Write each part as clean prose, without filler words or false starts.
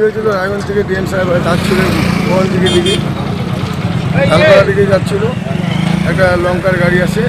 হয়েছিল রায়গঞ্জ থেকে ডিএম সাহেব যাচ্ছিলেন মোহন দিকে তালপাড়া দিকে যাচ্ছিল। একটা লঙ্কার গাড়ি আসে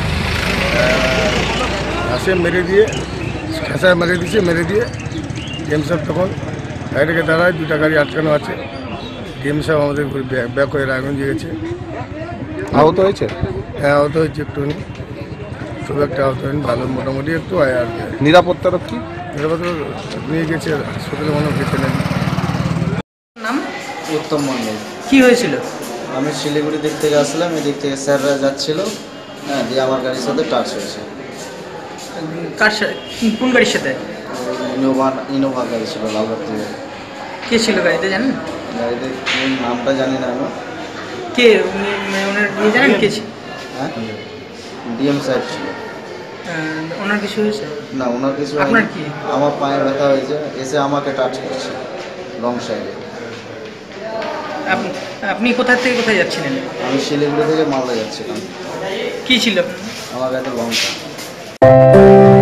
মেরে দিয়ে খেঁচায় মেরে দিয়ে ডিএম সাহেব তখন গাড়িটাকে দাঁড়ায়, দুটা গাড়ি আটকানো আছে। ডিএম সাহেব আমাদের ব্যাক হয়ে রায়গঞ্জে গেছে। আহত হয়েছে? হ্যাঁ, আহত হয়েছে একটুখানি, খুব একটা আহত হয়নি, ভালো মোটামুটি একটু আয় আর কি। নিরাপত্তারক্ষী নিয়ে গেছে হাসপাতালে, মনে গেছে নাকি। নাম উত্তম মন্ডল। কি হয়েছিল? আমি শিলিগুড়ি দিক থেকে আসলাম, এদিক থেকে স্যাররা যাচ্ছিল, হ্যাঁ, দিয়ে আমার গাড়ির সাথে টাচ হয়েছে। কার সাথে? কোন গাড়ির সাথে? ইনোভা গাড়ি ছিল লালবাগ থেকে। কে ছিল গাড়িতে জানেন? গাড়িতে নামটা জানি না আমি। কে উনি, ওনার ইয়ে জানেন কে ছিল? হ্যাঁ, ডিএম সাহেব ছিল। ওনার কিছু হয়েছে? না, ওনার কিছু হয়নি। আপনার কি? আমার পায়ে ব্যথা হয়েছে, এসে আমাকে টাচ করছে রং সাইডে। আপনি কোথা থেকে কোথায় যাচ্ছিলেন? আমি শিলিগুড়ি থেকে মালদা যাচ্ছিলাম। কি ছিল? আমার গাড়িতে লঙ্কা।